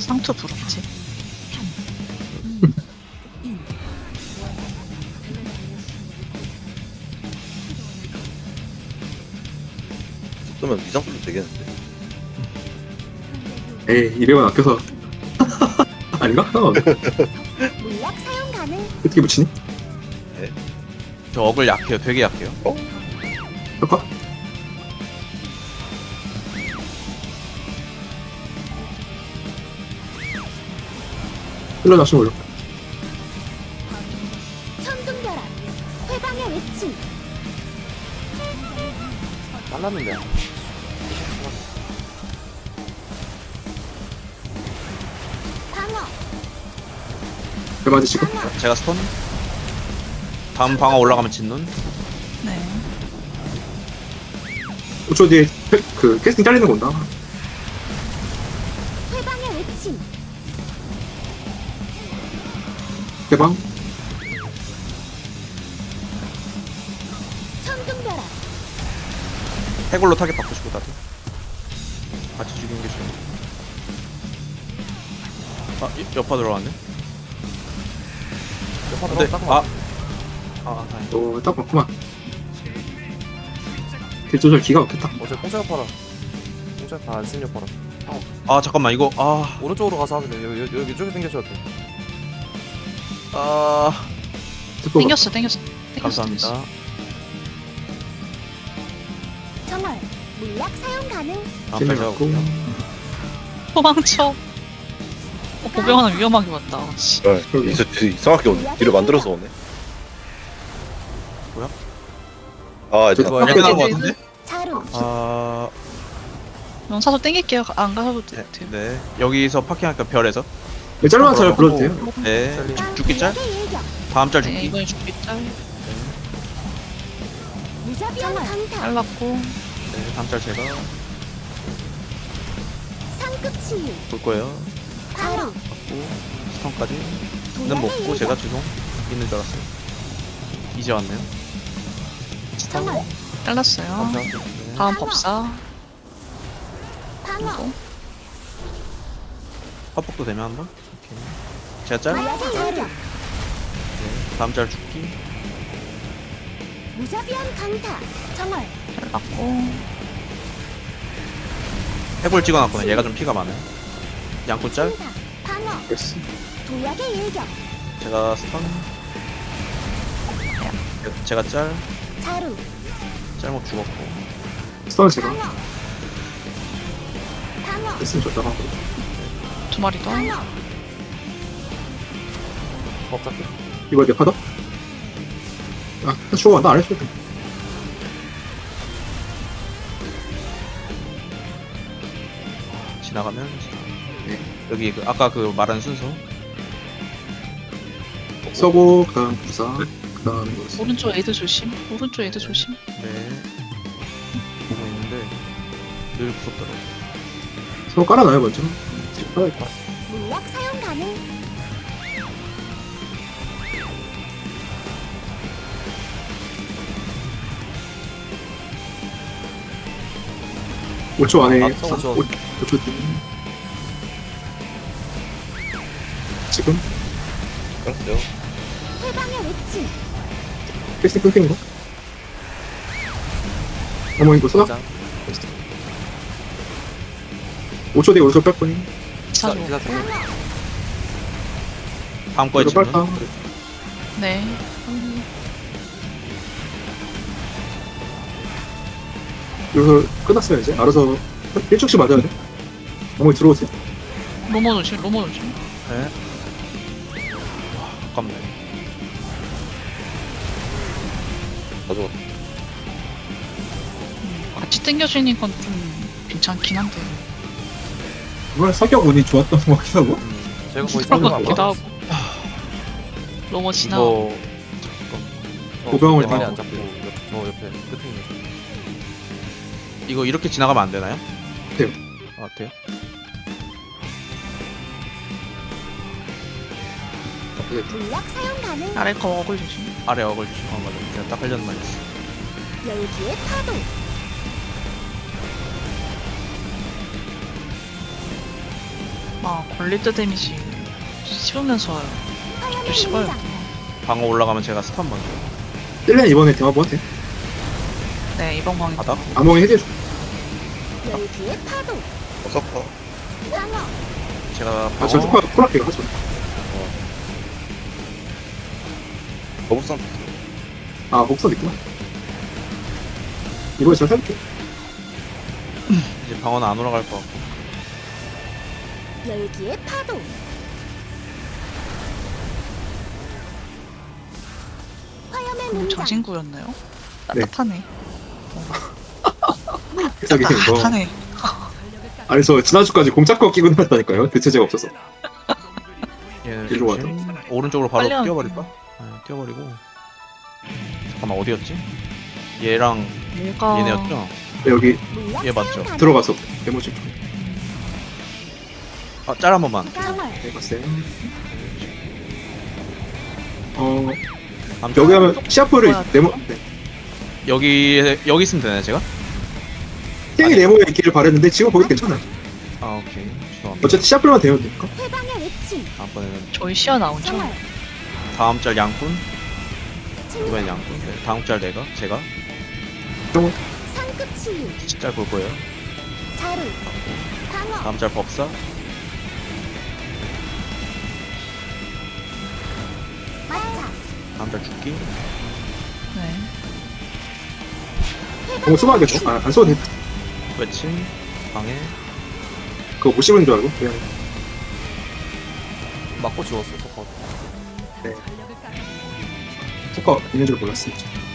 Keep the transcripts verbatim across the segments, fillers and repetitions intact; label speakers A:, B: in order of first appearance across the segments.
A: 상투 부르겠지.
B: 그러면 이상 소리 되겠는데.
C: 에이 이래만 아껴서 아닌가? 상관없네.
D: 물약 사용 가능.
C: 어떻게 붙이니?
E: 저 어글 약해요. 되게 약해요.
C: 효과? 흘러나시면 올려.
D: 천둥벼락. 회방의 외침.
F: 잘랐는데.
D: 방어.
C: 대바지 지금?
D: 방어.
E: 제가 스톤. 다음 방어 올라가면 진눈.
A: 네.
C: 오 초 뒤에 캐- 그 캐스팅 잘리는 거 온다.
D: 회방의 외침.
C: 대방.
D: 천둥벼락.
E: 해골로 타겟 바꾸시고 나도. 같이 죽이는 게 좋아. 아, 이- 여파 들어왔네.
F: 여파
E: 근데
F: 들어갔다.
E: 아, 아, 다행이다.
C: 어, 딱 맞구만. 딜 조절 기가 막혔다.
F: 어제 공짜 여파라. 공짜 여파 안쓴 여파라.
E: 아, 잠깐만 이거 아,
F: 오른쪽으로 가서 하면 돼. 여기 여기, 여기 이쪽에 생겨셔야 돼.
E: 아,
C: 듣고
A: 땡겼어, 땡겼어. 땡겼어,
E: 감사합니다.
A: 땡겼어.
D: 정월. 물약 사용 가능.
E: 다음 달 제가
C: 맞고.
E: 볼게요.
A: 도망쳐. 어, 보병 하나 위험하게 왔다. 씨.
B: 네.
C: 그러게.
B: 이상, 이상하게 오네. 뒤를 만들어서 오네.
E: 뭐야?
B: 아, 이제
F: 저거
B: 나-
E: 약간 나온 거 같은데?
D: 자루.
E: 아,
A: 명사서 땡길게요. 안 가셔도 돼- 돼요.
E: 네. 여기서 파킹하니까 별에서.
C: 네, 짤만 잘 불러도 돼요.
E: 네.
F: 셀리.
E: 죽- 죽기 짤?
D: 물약의 일격.
E: 다음 짤
A: 네,
E: 죽기.
A: 이번에 죽기 짤.
D: 무자비한 강타.
A: 잘랐고.
E: 네. 다음 짤 제가
D: 상급 치유.
E: 볼 거예요.
D: 바로.
E: 받고 스턴까지는
D: 도약의
E: 먹고
D: 일격.
E: 제가 죄송 있는 줄 알았어요. 이제 왔네요.
D: 정월.
A: 잘랐어요.
F: 감사.
E: 네.
A: 다음 법사.
D: 방어.
A: 그리고
E: 화폭도 되면 한번. 오케이. 제가 짤.
D: 물약의 일격.
E: 네. 다음 짤 죽기.
D: 무자비한 강타. 정월.
A: 잘랐고.
E: 해골 찍어놨거든요. 얘가 좀 피가 많아요. 양꾼 짤.
D: 충사. 방어.
C: 됐어.
D: 도약의 일격.
E: 제가 스턴. 제가 짤.
D: 자루.
E: 짤목 죽었고.
C: 스턴 제가
D: 방어. 방어.
C: 됐으면 좋다고 하고.
A: 두 마리 더.
D: 방어.
F: 법 잡기.
C: 이거 내 파더? 아, 나 죽어. 나안 해줘도 돼.
E: 지나가면
C: 네.
E: 여기 그 아까 그 말한 순서.
C: 서고, 그 다음 부사, 그 다음 이거.
A: 오른쪽 애드 조심. 오른쪽 애드 조심.
E: 네. 보고 있는데 늘 무섭더라고.
C: 서고 깔아놔요, 먼저. 지금 깔아야겠다.
D: 물약 사용 가능.
C: 오 초 안에.
F: 아, 서고 저-
C: 오 초 뒤. 지금?
B: 알았어요.
D: 회방의 외침.
C: 캐스팅 끊기는 거? 어머, 이거 쏘나?
F: 장.
C: 오 초 뒤에 오른쪽 뺄 거니?
A: 기사 줘.
F: 기사 중.
D: 방어.
E: 다음 거에
C: 이거
E: 질문.
C: 빨까?
A: 네.
C: 여기서 끝났어요, 이제. 알아서 일 초씩 맞아야 돼. 어머니 들어오세요.
A: 로모 조심. 로모 조심.
E: 네. 와, 아깝네.
B: 가져와.
A: 같이 땡겨주는 건 좀 괜찮긴 한데.
C: 이번에 성격 운이 좋았던 것 같기도 하고.
E: 음,
F: 제가 거의
A: 그런 것
F: 상관
A: 같기도
F: 안
A: 하고. 로모 지나.
E: 이거
C: 고병을
F: 많이
C: 다-
F: 안 잡고 옆- 저 옆에 끝에 있는 저.
E: 이거 이렇게 지나가면 안 되나요?
C: 돼요.
E: 아, 돼요?
D: 물약 사용 가능.
A: 아래 거 어글 조심.
E: 아래 어글 주시. 어, 맞아. 제가 딱 하려는 말이었어.
D: 열기의 파도.
A: 아 걸릴 때 데미지 씹으면서 와요.
D: 화염의
A: 씹어요.
D: 문장.
E: 방어 올라가면 제가 스턴 먼저.
C: 셀렌 이번에 대화 뭐한테?
A: 네 이번 광이
E: 바닥.
C: 암호에 해제해줘.
D: 열기의 파도.
B: 어, 서퍼.
D: 방어.
E: 제가
C: 아,
E: 방어.
C: 저 속화 콜할게요. 하죠.
B: 거북선
C: 아, 목선 있구나. 이번에 잘 살릴게.
E: 이제 방어는 안 올라갈 것 같고.
D: 열기의 파도. 화염의
A: 음,
D: 문장.
A: 정신구였나요?
C: 네.
A: 따뜻하네.
C: 해석이 이거.
A: 따뜻하네.
C: 아니, 저 지난주까지 공짜거 끼고 나왔다니까요. 대체제가 없어서.
E: 얘는
C: 일로 와.
E: 조심. 오른쪽으로 바로
A: 빨리 하면
E: 뛰어버릴까? 네, 뛰어버리고. 잠깐만 어디였지? 얘랑
A: 뭐가
E: 얘네였죠?
C: 네, 여기
D: 물약
E: 얘 맞죠?
D: 사용 가능.
C: 들어가서 데모지 좀
E: 아, 짤 한 번만.
D: 정월.
C: 해봤어요. 어,
E: 아무튼
C: 여기 하면 시아프를
A: 뭐야,
C: 네모, 네.
E: 여기 여기 있으면 되나요, 제가?
C: 땡이 네모에 있기를 바랬는데 지금 거기 괜찮아요.
E: 아, 오케이. 죄송합니다.
C: 어쨌든 시아프만 되면 되니까.
D: 회방의 외침.
E: 다음번에는
A: 저희 시야 나오죠?
D: 정월.
E: 다음 짤 양꾼,
D: 침묵.
E: 이번엔 양꾼. 네, 다음 짤 내가 제가
D: 상급 치유.
E: 짤 볼 거예요.
D: 자루. 방어.
E: 다음 짤 법사,
D: 마차.
E: 다음 짤 죽기.
A: 네.
C: 너무 수고하겠죠? 아, 안 써도 돼.
E: 외침, 방해.
C: 그거 못 씹은 줄 알고. 그냥.
F: 맞고 지웠어 서퍼.
C: 효과 있는 줄 몰랐어요.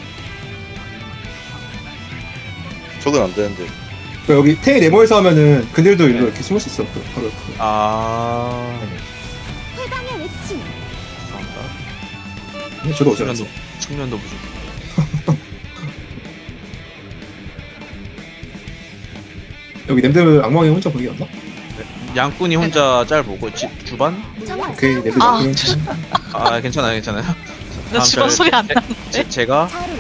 B: 적은 안 되는데.
C: 그 여기 탱이 네모에서 하면은 그늘도 일로 이렇게 숨을 수 있어. 그, 바로 옆에.
E: 아,
D: 회방의 외침.
E: 죄송합니다.
C: 근데 저도 어제
E: 측면도
C: 알았어.
E: 측면도 부족.
C: 여기 냄새 악몽이 혼자 보이였나?
E: 양꾼이 혼자 짤 보고 지, 주반?
D: 정월.
C: 오케이, 냄새
A: 아,
C: 악몽이
E: 아, 괜찮아요, 괜찮아요.
A: 나
E: 다음
A: 주방
E: 짤
A: 소리 안
E: 제-
A: 나는데?
E: 제, 제가
D: 자루.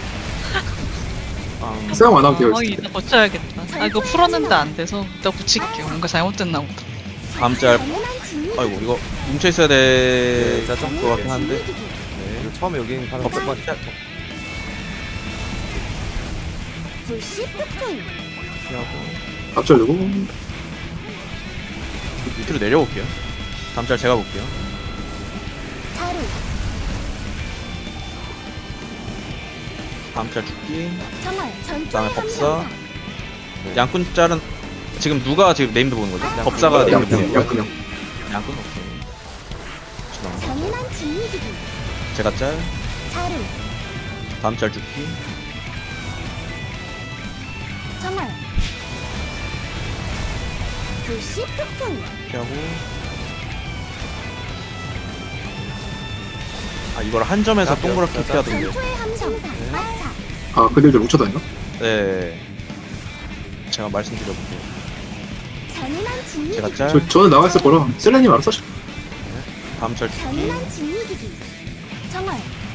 E: 음,
C: 사용 안 하면 돼요.
A: 아 이따 고쳐야겠다. 아 이거 풀었는데 안 돼서 이따 고칠게요. 뭔가 잘못됐나 보다.
E: 다음 짤.
D: 잔인한 진위.
E: 아이고 이거 뭉쳐 있어야 돼.
F: 네, 좀
E: 것 같긴 한데.
D: 진위기기.
E: 네.
F: 이거 처음에 여기 하는
E: 법사
F: 거
E: 짤
D: 불씨 폭풍.
E: 피하고
C: 앞절르고
E: 밑으로 내려올게요. 다음 짤 제가 볼게요.
D: 자루.
E: 다음 짤 죽기.
D: 정월. 전투의
E: 그다음에 법사.
D: 함정사.
E: 양꾼 짤은 지금 누가 지금 네임드 보는 거죠? 법사가 네임드 보는
C: 양양
E: 거예요.
C: 양양
E: 양꾼 오케이. 죄송합니다.
D: 잔인한 진위기기.
E: 제가 짤.
D: 자루.
E: 다음 짤 죽기.
D: 정월. 불씨 폭풍.
E: 피하고. 아 이걸 한 점에서
F: 짤,
E: 동그랗게
F: 짤, 짤.
E: 피하던데요.
D: 전투의 함정사. 마차.
C: 아 그늘들 뭉쳐다니나?
E: 네. 제가 말씀드려볼게요.
D: 잔인한 진위기기.
E: 제가 짤.
C: 저, 저는 나가 있을 거라 셀레님 알아서 하시고
E: 다음 짤 죽기.
D: 잔인한 진위기기. 정월.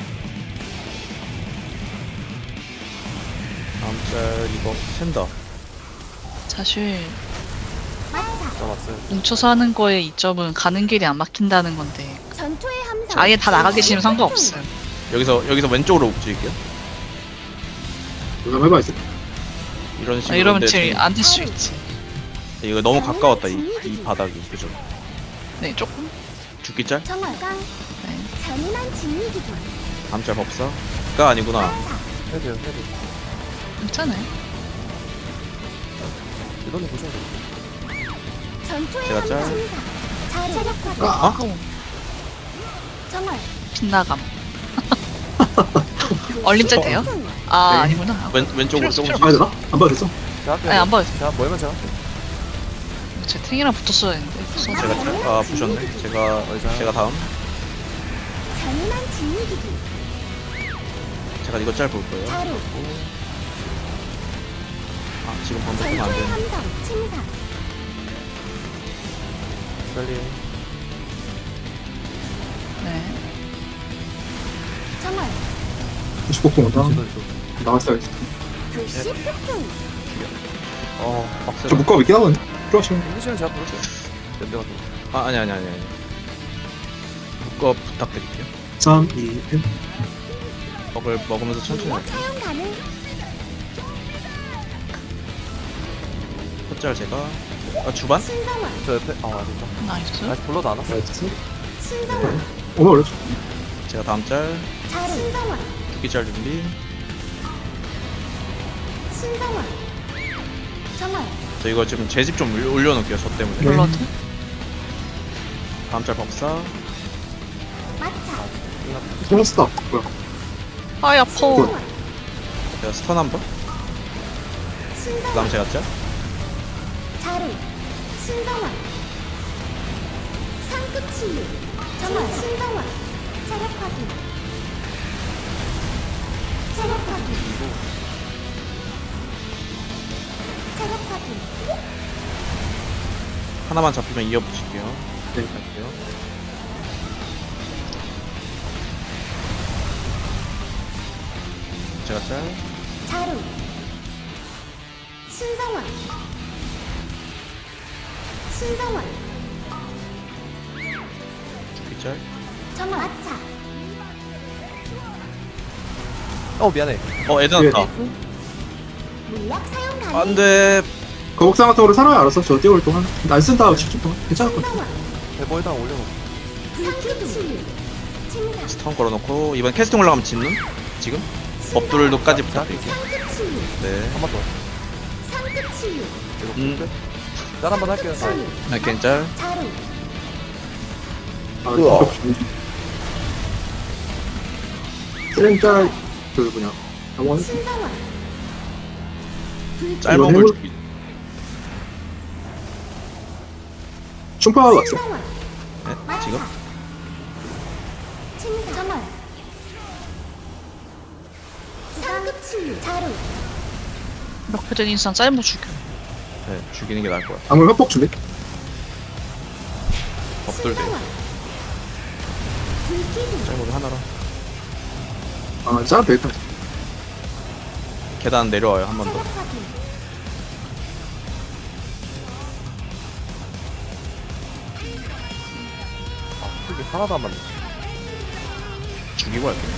E: 다음 짤 이거 샌다.
A: 사실
D: 마차.
F: 남았어요.
A: 뭉쳐서 하는 거의 이점은 가는 길이 안 막힌다는 건데
D: 전투의 함정.
A: 아예 다 나가 계시면 상관없어요.
E: 여기서 여기서 왼쪽으로 움직일게요.
C: 이거 한번 해봐야지.
E: 이런
A: 아,
E: 식으로.
A: 이러면
E: 근데
A: 제일
E: 지금
A: 안 될 수 있지.
E: 이거 너무 가까웠다 이, 이 바닥이 그죠?
A: 네 조금.
E: 죽기 짤?
D: 정월. 깡.
A: 네.
D: 잔인한 진위기기.
E: 다음 짤 법사가 아니구나.
D: 마차.
F: 헤드요 헤드.
A: 괜찮아요.
F: 이거는 보셔야 돼요.
D: 전투의
E: 제가 짤.
D: 함정사. 자루. 체력화.
C: 아,
A: 아까워.
D: 정월.
A: 빗나감. 얼림짤 돼요?
D: 폭풍.
A: 아
C: 네.
A: 아니구나.
E: 왼 왼쪽으로
A: 필요
E: 조금.
C: 봐야 되나? 안 봐도 됐어?
F: 제가 할게요.
A: 아니 안 봐요.
F: 제가 뭐면 제가 할게요.
A: 제 탱이랑 붙었어야 했는데. 붙었네.
E: 제가 짤. 아 부셨네. 제가
F: 어디서?
E: 제가 다음.
D: 잔인한 진위기기.
E: 제가 이거 짤 볼 거예요.
D: 자루.
E: 아 지금 방금 쓰면 안
D: 전투의
E: 되는데.
D: 함정. 침사.
F: 셀리.
A: 네.
D: 정월.
C: 구십폭풍 온다.
F: 지도 또.
C: 나왔어야지.
D: 불씨 폭풍.
E: 어 빡세.
C: 저 묶어 있긴 하거든. 필요하시면.
F: 컨디션은 제가 부를게요. 연대가 좀.
E: 아 아니 아니 아니 아니. 그거 부탁드릴게요.
C: 삼, 이, 일.
E: 먹을 먹으면서 천천히
D: 물약
E: 할게요.
D: 사용 가능.
E: 헛잘 제가 아 주반?
D: 신성화.
F: 저 옆에, 아, 진짜.
A: 나이스.
F: 나이스 불러도 안 왔어.
C: 나이스.
D: 신성화.
C: 어머, 그렇죠.
E: 제가 다음 짤
D: 자루. 신성화.
E: 두기짤 준비.
D: 신성화. 정월.
E: 저 이거 지금 제 집 좀 올려놓을게요. 저 때문에.
C: 네.
A: 블러드.
E: 다음 짤 법사.
D: 마차.
C: 소스다. 뭐야.
A: 아이 아파.
D: 신성화.
E: 제가 스턴 한 번.
D: 신성화.
E: 그다음 제가 짤.
D: 자루. 신성화. 상급 치유. 정월. 신성화. 체력 확인. 체력 확인. 체력 확인.
E: 하나만 잡히면 이어붙일게요.
C: 네.
E: 갈게요. 제가 짤.
D: 자루. 신성화. 신성화.
E: 두기짤.
D: 정월. 마차.
F: 어, 미안해.
E: 어 애드 났다.
D: 물약 사용 가능.
E: 안돼.
C: 거북상 같은 거로 살아야 알았어. 저 뛰어올 동안. 안 쓴다. 십 초 동안. 괜찮을 것 같아.
D: 신성화.
F: 대보에다 올려놓고.
D: 상급 치유. 침상.
E: 스턴 걸어놓고 이번 캐스팅 올라가면 짓는? 지금? 법돌도까지 부탁드릴게요.
D: 상급 치유.
E: 네.
F: 한 번 더.
D: 상급 치유.
F: 이거
E: 음.
F: 풀 짤 한 번 할게요. 아,
D: 치유.
E: 아, 겐짤.
D: 자루.
C: 아,
B: 우와.
C: 쓰렌짤, 그, 뭐냐. 영원.
D: 신성화.
E: 짧은
C: 이거
E: 걸
C: 해볼-
E: 주기.
C: 충파가 왔어.
D: 신성화.
E: 네? 지금?
D: 침상. 정월. 상급 치유. 자루.
A: 몇회된 인상 짧은 죽여.
E: 네, 죽이는 게 나을 것 같아.
C: 방울 회복 준비.
E: 법돌대.
D: 신성화. 불기둥.
E: 짧은 거 하나로.
C: 아, 짤 되겠다.
E: 계단 내려와요, 한 번 더.
D: 체력 확인.
F: 풀기 하나도 안 맞네.
E: 죽이고 할게요.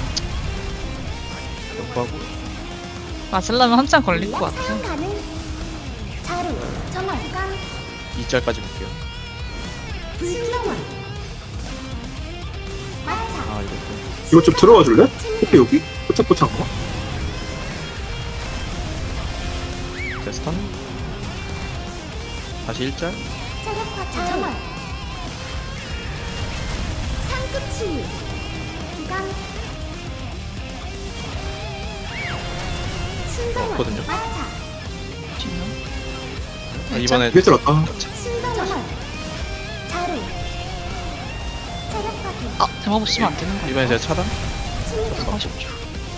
E: 역하고
A: 맞으려면 한참 걸릴 것
D: 물약
A: 같아.
D: 사용 가능. 자루. 정월. 깡.
E: 이 짤까지 볼게요.
D: 신성화. 마차.
E: 아, 이것도.
C: 이거 좀 들어와 줄래? 호피 여기? 포착포착 거?
E: 데스턴. 다시 일 짤.
D: 체력 확인. 정월. 상급 치유. 깡. 신성화.
E: 없거든요.
D: 마차.
A: 뒷면.
E: 아, 이번에
C: 뒤에 들었다.
D: 신성화. 자루. 체력 확인.
A: 아 대마법 쓰면 안 되는 거야.
E: 이번에 제가 차단.
D: 침상.
A: 아쉽죠.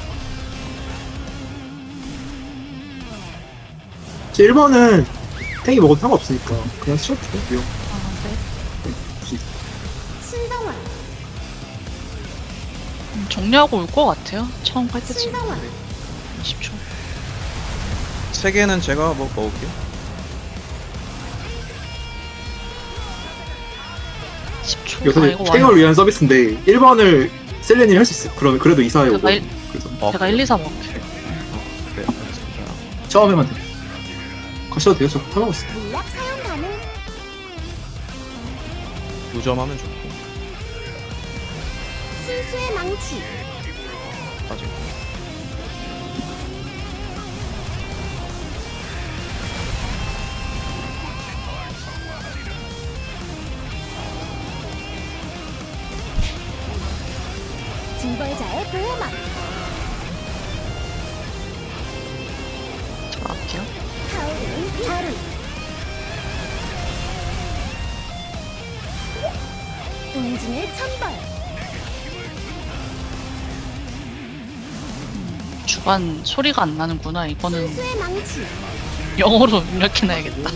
C: 일 번은 탱이 먹어도 상관없으니까 그냥 시작해. 위험.
A: 아 네.
C: 굳이.
D: 신성화.
A: 음, 정리하고 올 것 같아요. 처음 갈 때쯤.
D: 신성화.
A: 이십 초.
E: 세 개는 제가 뭐 먹을게요.
A: 십 초.
C: 이거
A: 아
C: 사실
A: 이거
C: 탱을
A: 와요.
C: 위한 서비스인데 일 번을 셀렌이 할 수 있어. 그러면 그래도 이사해 오고.
A: 제가 일-
C: 그래서
E: 어,
A: 제가 일, 이, 삼 먹을게요.
E: 네, 알겠습니다.
C: 처음에만 돼. 가셔도 돼요. 저 타먹었어.
D: 물약 사용 가능.
E: 무점하면 좋고.
D: 순수의 망치.
E: 빠지고.
D: 징벌자의 보호막.
A: 들어갈게요.
D: 타오르는 자루. 응징의 천벌.
A: 주간 소리가 안 나는구나. 이거는
D: 순수의 망치.
A: 영어로 입력해놔야겠다.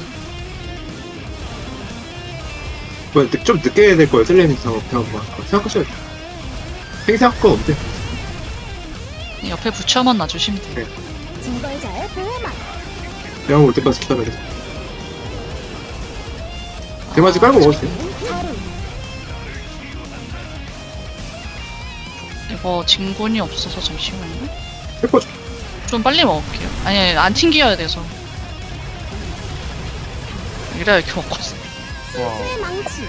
C: 뭐, 늦- 좀 늦게 될 거예요. 셀렌이 저 배워봐. 생각하셔야 돼. 탱 생각 거 없대.
A: 옆에 부처만 놔주시면 돼요.
D: 징벌자의 보호막.
C: 배워 올 때까지 기다려야 돼. 대마지 깔고 먹어도 돼.
D: 자루.
A: 이거 진군이 없어서 잠시만요.
C: 해퍼
A: 좀 빨리 먹을게요. 아니, 아니 안 튕겨야 돼서. 이래야 이렇게 먹거든.
D: 순수의 망치.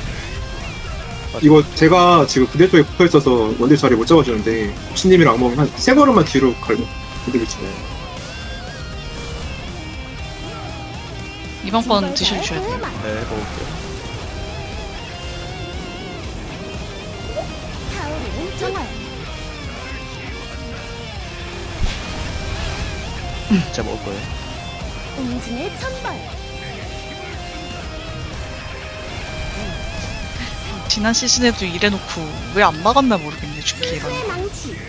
C: 이거 제가 지금 그대 쪽에 붙어 있어서 원딜 자리 못 잡아주는데 신님이랑 안 먹으면 한 세 걸음만 뒤로 갈고 근데 그치.
A: 이번 건 드셔주셔야 돼요.
D: 소음아.
E: 네, 먹을게요.
D: 타오르는 정월.
E: 제가 먹을 거예요.
D: 웅진의 천벌.
A: 지난 시즌에도 이래놓고 왜 안 막았나 모르겠네, 죽기 이런.
D: 순수의 망치.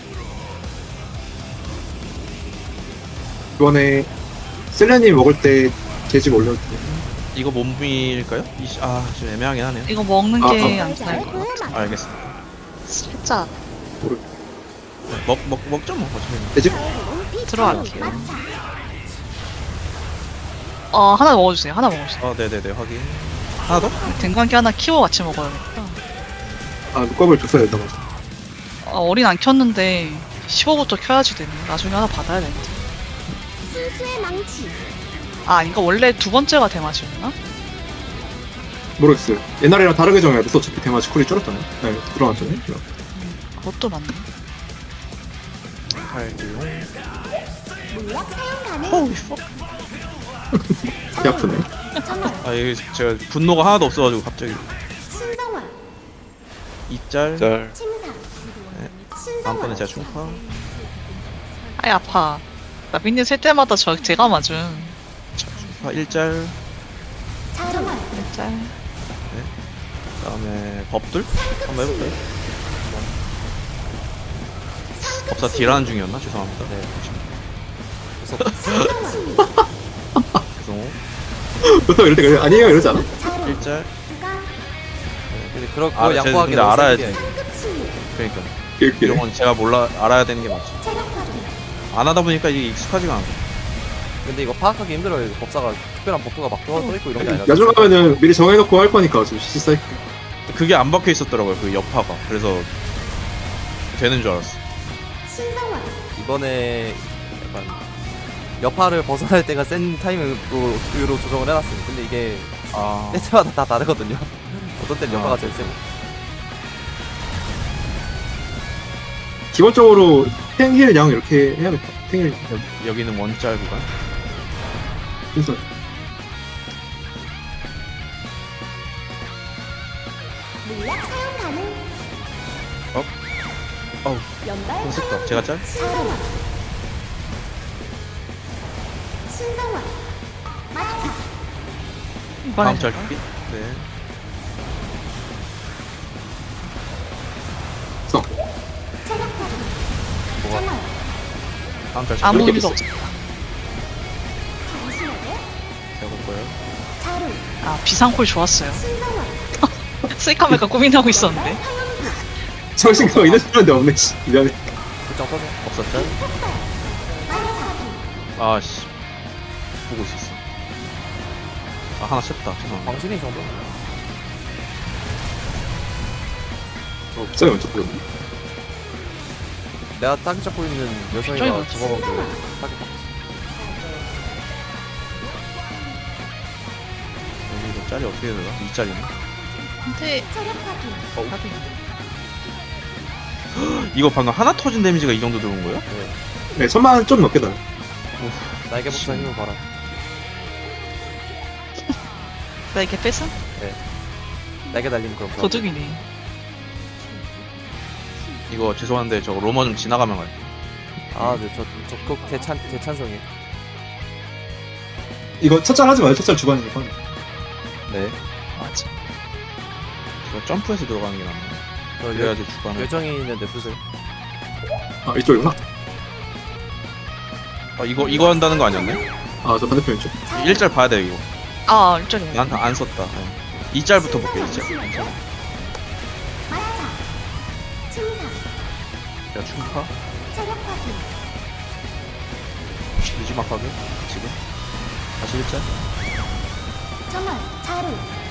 C: 이번에 셀레님 먹을 때 돼지 올려도 돼.
E: 이거 몸밀까요? 이, 아, 좀 애매하긴 하네요.
A: 이거 먹는
C: 아,
A: 게
C: 아.
A: 안 나을 것 같아.
D: 소음아.
E: 알겠습니다.
A: 살짝
E: 네, 먹, 먹, 먹죠, 뭐. 어차피.
C: 돼지?
D: 타오르는 피.
A: 들어갈게요.
D: 마차.
A: 어 하나 먹어주세요. 하나 먹어주세요.
E: 어, 네네네, 확인. 하나 더?
A: 댕관기 하나 키워 같이 먹어야겠다.
C: 아 눈곱을 줬어야 된다 맞아.
A: 아, 어린 안 켰는데 십오부터 켜야지 되네. 나중에 하나 받아야 되는데.
D: 순수의 망치.
A: 아 아닌가? 원래 두 번째가 대마지였나?
C: 모르겠어요. 옛날이랑 다르게 정해야 돼서 어차피 대마지 쿨이 줄었잖아요. 네 들어갔잖아요.
A: 그것도 맞네.
E: 팔기용.
D: 물약 사용 가능.
E: 호우, 퍽.
C: 배 아프네.
D: 정월.
E: 아, 이게 제가 분노가 하나도 없어가지고 갑자기.
D: 신성화.
E: 이짤.
B: 짤.
D: 침사. 신성화.
E: 다음번에 제가 충파.
A: 아이 아파. 나 빈님 셀 때마다 저 제가 맞음.
E: 충파 일짤.
D: 정월.
A: 짤.
E: 그다음에 법들 한번 해볼까요? 법사 딜하는 중이었나? 죄송합니다. 네. 죄송.
C: 보통 이럴 때 그래 아니에요 이러지 않아?
D: 자루.
E: 일짤.
D: 가.
F: 근데 그러, 그거
E: 아, 쟤
F: 양보하기
E: 근데
F: 너무
E: 알아야
F: 센 게.
E: 돼.
D: 상급치유.
E: 그러니까
C: 이렇게
E: 이런 건 제가 몰라 알아야 되는 게 맞지.
D: 체력 파괴.
E: 안 하다 보니까 이게 익숙하지가 않아.
F: 근데 이거 파악하기 힘들어요. 이거 법사가 특별한 법도가 막 떠, 떠있고 이런 게 아니라.
C: 야중 가면은 미리 정해놓고 할 거니까 좀 시시 사이클.
E: 그게 안 박혀 있었더라고요. 그 여파가. 그래서 되는 줄 알았어.
D: 신성화.
F: 이번에 약간 여파를 벗어날 때가 센 타이밍으로 으로 조정을 해놨습니다. 근데 이게
E: 아.
F: 때마다 다 다르거든요. 어떤 때는 여파가
E: 아.
F: 제일 세고.
C: 기본적으로 탱힐 양 이렇게 해야겠다. 탱힐
E: 여, 여기는 원짤 구간.
C: 순서.
D: 물약 사용 가능.
E: 어우,
D: 연발.
E: 손색다. 제가 짤?
D: 신성화. 신성화. 마차.
A: 이번에
E: 다음 짤 죽기? 네.
C: 써.
D: 체력 파괴.
F: 뭐가?
D: 정월.
E: 다음 짤
A: 아무
E: 죽기.
A: 의미도 없어.
D: 당신에게
E: 제가 볼 거예요.
D: 자루.
A: 아 비상콜 좋았어요.
D: 신성화.
A: 스이카메가 고민하고 있었는데.
D: 화염기.
C: 정신가 이래 주는데 없네. 씨. 미안해.
F: 불정 터져.
E: 없었 짤?
D: 폭발. 마차.
E: 아씨. 보고 있었어. 아, 하나 쳤다. 죄송합니다.
F: 광신이 정도?
C: 어, 갑자기 먼저 보였네.
F: 내가 타겟 잡고 있는 여성이가
A: 저기
F: 죽어가지고 타겟 받고
E: 여기 이거 짤이 어떻게 되나? 이 짤이네.
A: 근데
D: 체력 파괴.
A: 나도
E: 이거 방금 하나 터진 데미지가 이 정도 들어온 거야?
C: 네, 천만 좀 넘게 나.
F: 날개 복사 힘을 봐라.
A: 나 이게 뺏은
F: 날개 달리면 그럼 그럼.
A: 도둑이네.
E: 이거 죄송한데 저 로머 좀 지나가면 갈게요.
F: 아, 네, 저, 저, 그 대찬, 대찬성이에요.
C: 이거 첫짤 하지 마요. 첫짤 주반이니까.
E: 네.
A: 맞아.
E: 제가 점프해서 들어가는 게 낫네.
F: 저 여,
E: 그래야지 주간을.
F: 요정이 있는데 붓을.
C: 아 이쪽이구나.
E: 아, 이거 이거 한다는 거 아니었네?
C: 아 저 반대편 쪽.
E: 일 짤 봐야 돼 이거.
A: 아 일절이네.
E: 난 안 썼다. 네. 이 짤부터 볼게요. 이 짤. 괜찮아.
D: 마차. 침사.
E: 야 충파.
D: 체력 파괴.
E: 유지막 하게 지금. 다시 일 짤.
D: 정월. 자루.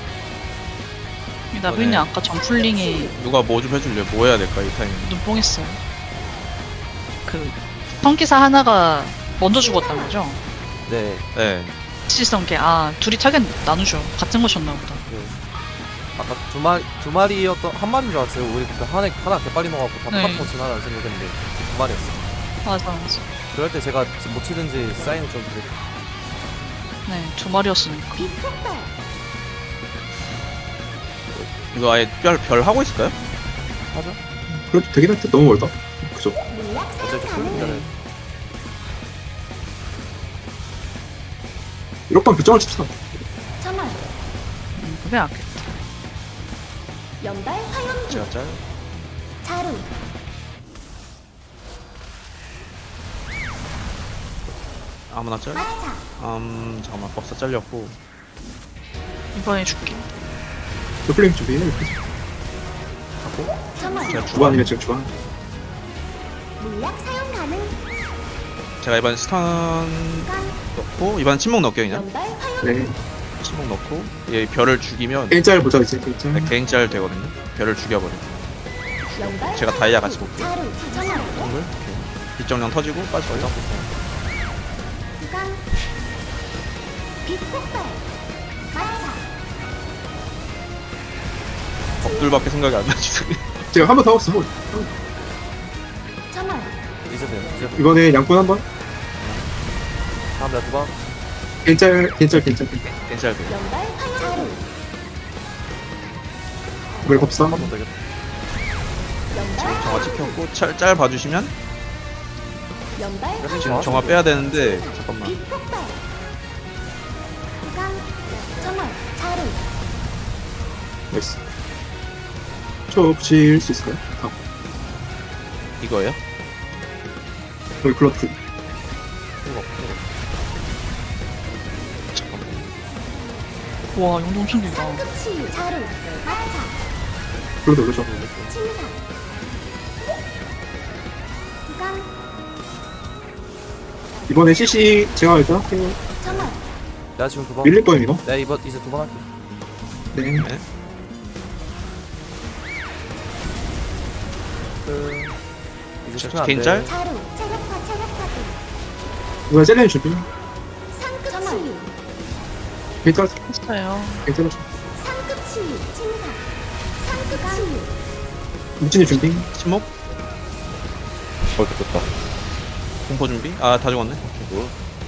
A: 나비님 아까 점플링에
E: 누가 뭐 좀 해줄래? 뭐 해야 될까 이 타이밍?
A: 눈뽕했어요. 그 성기사 하나가 먼저 죽었단 거죠?
F: 네.
E: 네.
A: 시성계 아 둘이 타겟 나누죠. 같은 것이었나 보다.
F: 그 아까 두 마리 두 마리였던 한 마리인 줄 알았어요. 우리 그때 하나 하나 개빨리 넣어갖고 다
A: 네.
F: 똑같은 거 지나가는 생각했는데 두 마리였어.
A: 맞아 맞아.
F: 그럴 때 제가 못 치든지 사인을 좀 드릴게요.
A: 네, 두 마리였으니까.
D: 빛폭발.
E: 이거 아예 별, 별 하고 있을까요?
F: 하죠?
C: 그래도 되긴 할때 너무 멀다. 그죠?
D: 물약 사용
F: 어차피
D: 가능.
F: 쫄리면은
C: 일 번 결정을 칩시다.
D: 정월.
A: 음, 그게 낫겠다.
D: 연발 화염기.
E: 제가 짤.
D: 자루.
E: 아무나 짤.
D: 마차.
E: 음 잠깐만 법사 잘렸고.
A: 이번에 줄게.
C: 플레임 준비해. 이렇게.
D: 정월.
E: 제가 주반.
C: 주반이면 지금 주반.
D: 물약 사용 가능.
E: 제가 이번 스턴
D: 간.
E: 넣고 이번 침묵 넣을게요 그냥.
D: 연발 화염기.
C: 네.
E: 침묵 넣고 얘 별을 죽이면
C: 일자를 보자 이제 일자.
E: 네, 개인 짤 되거든요. 별을 죽여버려.
D: 연발
E: 제가 다이아 같이 볼게요.
D: 자루. 정월.
E: 동글. 오케이. 빗정령 터지고 빠져요.
D: 간. 빛폭발. 마차.
E: 법들밖에 생각이 안 나지.
C: 제가 한 번 더 없어.
D: 정월.
F: 이제 돼요. 이제 돼요.
C: 이번에 양꾼 한 번.
F: 다음 내가 두 번.
C: 괜짤 괜짤 괜짤.
E: 개인 짤 돼.
D: 연발 화염기. 자루.
C: 이번에 법사.
F: 한 번 더 되겠다.
D: 연발
E: 정화 찍혔고 짤, 짤 봐주시면
D: 연발
F: 그래서
E: 지금
F: 정화
E: 정화 빼야 되는데 잠깐만.
D: 빛폭발. 간. 정월. 자루.
C: 나이스. 저 붙일 수 있을까요? 아,
E: 이거예요?
C: 여기 블러드.
F: 이거 이거.
E: 잠깐만.
A: 와, 용도 엄청 길다.
D: 상급치유. 자루. 마차.
C: 블러드 올려줘.
D: 침사. 간.
C: 이번에 씨씨 제가 일단 할게요.
D: 정월.
F: 내가 지금 두 번.
C: 밀릴 거예요 이거.
F: 내가 이번 이제 두 번 할게.
C: 네.
E: 네.
F: 그 이제
E: 저-
F: 시키면 안
E: 개인
F: 돼.
E: 짤?
D: 자루. 체력파 체력파도.
C: 이번에 셀렌 준비.
D: 상급치유.
C: 괜찮아.
A: 했어요.
C: 괜찮아.
D: 상급치유. 침사. 상급치유.
C: 무진이 준비.
E: 침묵?
B: 어, 됐다.
E: 공포 준비? 아 다 죽었네.
B: 뭐?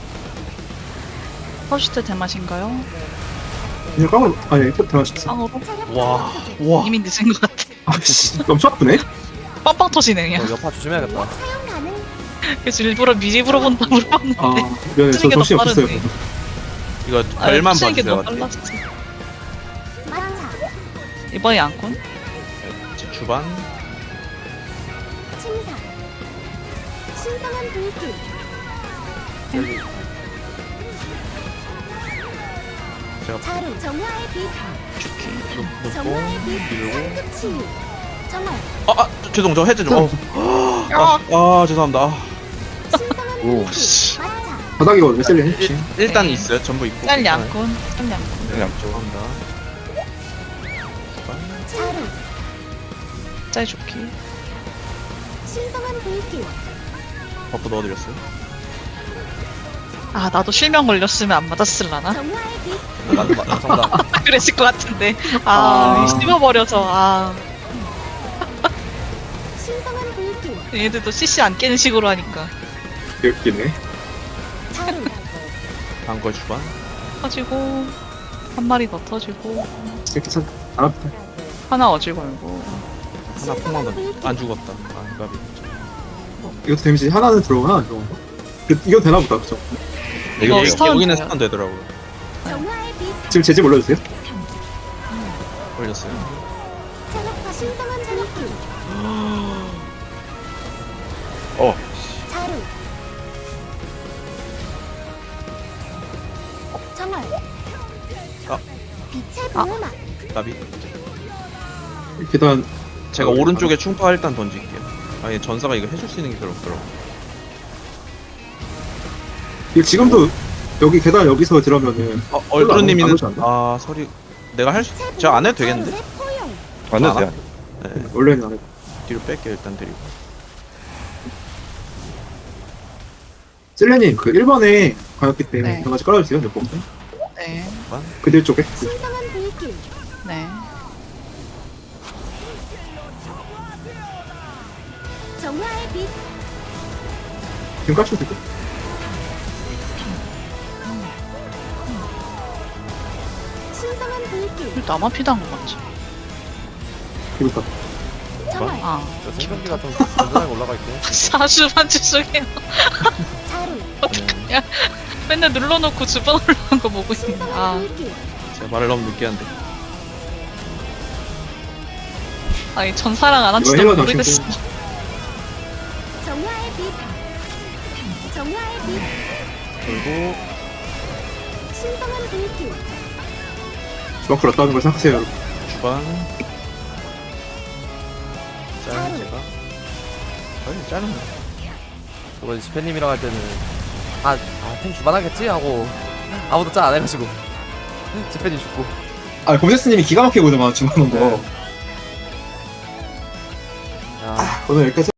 A: 퍼시트 대맛인가요?
C: 그냥 깡으로. 아니 이거 대화시켰어.
A: 쌍으로?
E: 와. 와.
A: 이미 늦은 것 같아.
C: 아씨 엄청 아프네.
A: 빵빵 터지네, 그냥.
F: 어, 여파 조심해야겠다.
D: 물약 사용 가능.
A: 그래서 일부러 미리 물어본다 물어봤는데.
C: 아 미안해 저
A: 쓰는 게
C: 정신이
A: 더
C: 없었어요.
A: 빠르네.
E: 이거
A: 아,
E: 별만
A: 쓰는 게
E: 봐주세요.
A: 너무 빨랐어.
D: 마차.
A: 이번에 양꾼?
E: 이제 주반.
D: 침사. 신성한 불길.
E: 제가
D: 자루. 정화의 빛.
E: 놓고
D: 정화의 빛.
E: 밀고.
D: 상급치유. 정월.
E: 아, 아 죄송 저 해제 좀. 어. 아, 아 죄송합니다. 아,
D: 신성한
B: 오.
D: 불길.
E: 씨.
D: 마차.
C: 바닥이거든요 셀렌 혹시.
E: 일, 일단
A: 네.
E: 있어요. 전부 있고.
A: 짤 양꾼? 짤 양꾼.
E: 네, 죄송합니다.
D: 자루.
A: 짤 좋기.
D: 신성한 불길.
E: 버프 넣어드렸어요.
A: 아, 나도 실명 걸렸으면 안 맞았을라나?
D: 정화의 빛.
F: 맞, 맞, 정답.
A: 그랬을 것 같은데. 아,
C: 아.
A: 씹어버려서, 아.
D: 신성한 불길.
A: 얘네들도 씨씨 안 깨는 식으로 하니까.
C: 웃기네.
D: 자루.
E: 다음 거 주반.
A: 터지고, 한 마리 더 터지고,
C: 이렇게 참 안 아프다.
A: 하나 어질 걸고.
E: 하나 폭망 던져. 안 죽었다. 아 까비.
C: 이것도 데미지 하나는 들어오나 이거. 그, 이건 되나 보다 그죠?
A: 이거
E: 여기,
A: 스턴
E: 여기는
A: 돼요.
E: 스턴 되더라고요.
D: 정화의 빛.
C: 지금 제집 올려주세요.
E: 걸렸어요.
D: 체력파 신성한 불길.
B: 어,
D: 자루. 정월.
E: 아.
D: 빛의
A: 아.
D: 보호막.
E: 까비.
C: 계단
E: 제가
C: 어,
E: 오른쪽에 충파 일단 던질게요. 아니 전사가 이거 해줄 수 있는 게 별로 없더라고.
C: 이거 지금도 여기 계단 여기서 들어가면은
E: 어, 얼그루님이는
C: 안 오지 않나?
E: 아 서리 내가 할 수, 제가 안 해도 되겠는데?
D: 자루새 포효.
B: 안 해도
E: 안
B: 돼.
E: 네,
C: 원래는 안 해.
E: 뒤로 뺄게요 일단 드리고.
C: 셀레님 그 일 번에 가였기 때문에
A: 네.
C: 한 가지 깔아주세요. 몇 번.
A: 네.
C: 그들 쪽에.
D: 신성한 불길.
A: 네.
D: 정화의 빛.
C: 지금 까시면 되고.
D: 신성한 불길.
A: 나만 피다한 거 같지?
C: 그러니까.
D: 정화.
A: 아.
F: 저 생존기가 좀 든든하게 올라가 있고.
A: 사주만 죄송해요.
D: 자루.
A: 어떡하냐. 맨날 눌러놓고 주변 올라간 거 보고 있네.
D: 신성한
A: 아,
D: 불길.
E: 제가 말을 너무 늦게 한데.
A: 아니, 전사랑 안 한
C: 이거
A: 지도
C: 헬로
A: 모르겠어.
C: 당신
D: 정화의 빛. 정화의 빛.
E: 그리고
D: 신성한 불길.
C: 주방풀 왔다는 걸 생각하세요, 여러분.
E: 주방. 짤 제가. 아니 짤은
F: 저번 스페님이랑 할 때는 아, 아, 탱 주반하겠지 하고 아무도 짤 안 해가지고 스페님 죽고.
C: 아, 검세스님이 기가 막히게 보더만, 주방한 거.
F: 야.
C: 오늘 여기까지